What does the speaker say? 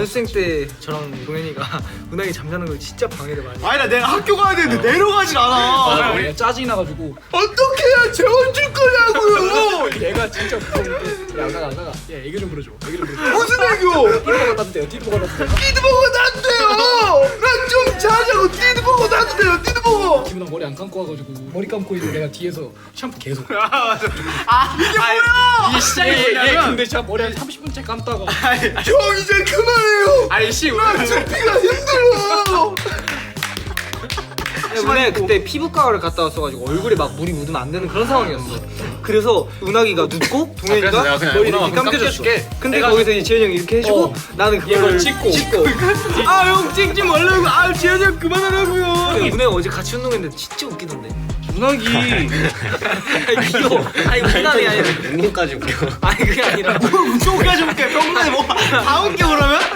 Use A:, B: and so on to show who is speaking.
A: 연습생 때 저랑 동현이가 은하이 잠자는 걸 진짜 방해를 많이.
B: 아니 나 내가 학교 가야 되는데 내려가질 않아.
A: 짜증이 나가지고
B: 어떻게 해야 재워줄 거냐고요.
A: 얘가 진짜 무서운데. 야 나가. 야 애교 좀 부려줘.
B: 무슨 애교?
A: 띠드버거 따도 돼요. 띠드버거 따도 돼요.
B: 띠드버거 나도 돼요. 나 좀 자자고 띠드버거 나도 돼요. 띠드버거.
A: 지금 나 머리 안 감고 와가지고 머리 감고 있는데 내가 뒤에서 샴푸 계속.
B: 이게 뭐야?
C: 이게 시작이
A: 얘
C: 뭐냐면
A: 근데 진짜 머리 한 30분째 감다가
B: 형 이제 그만해요.
C: 아니 씨
B: 나 준비가 힘들어.
A: 은하이 그때 피부과를 갔다 왔어가지고 얼굴에 막 물이 묻으면 안 되는 그런 상황이었어. 그래서 은하기가 눕고
C: 그래서 내가
A: 동현이가
C: 그냥
A: 머리
C: 은하가
A: 이렇게 감겨줬어.
C: 감겨줄게.
A: 근데 거기서 이제 지현이 형이 이렇게 해주고 나는 그걸 찍고 아 형 찍지 말라고. 아 지현이 형 그만하라고요. 은하이 어제 같이 운동했는데 진짜 웃기던데. 은하기 아니 귀여워. 아니 운동이 아니라
D: 운동까지 웃겨.
A: 아니 그게 아니라
B: 운동까지 볼게. 병문안에 뭐다 웃겨 그러면?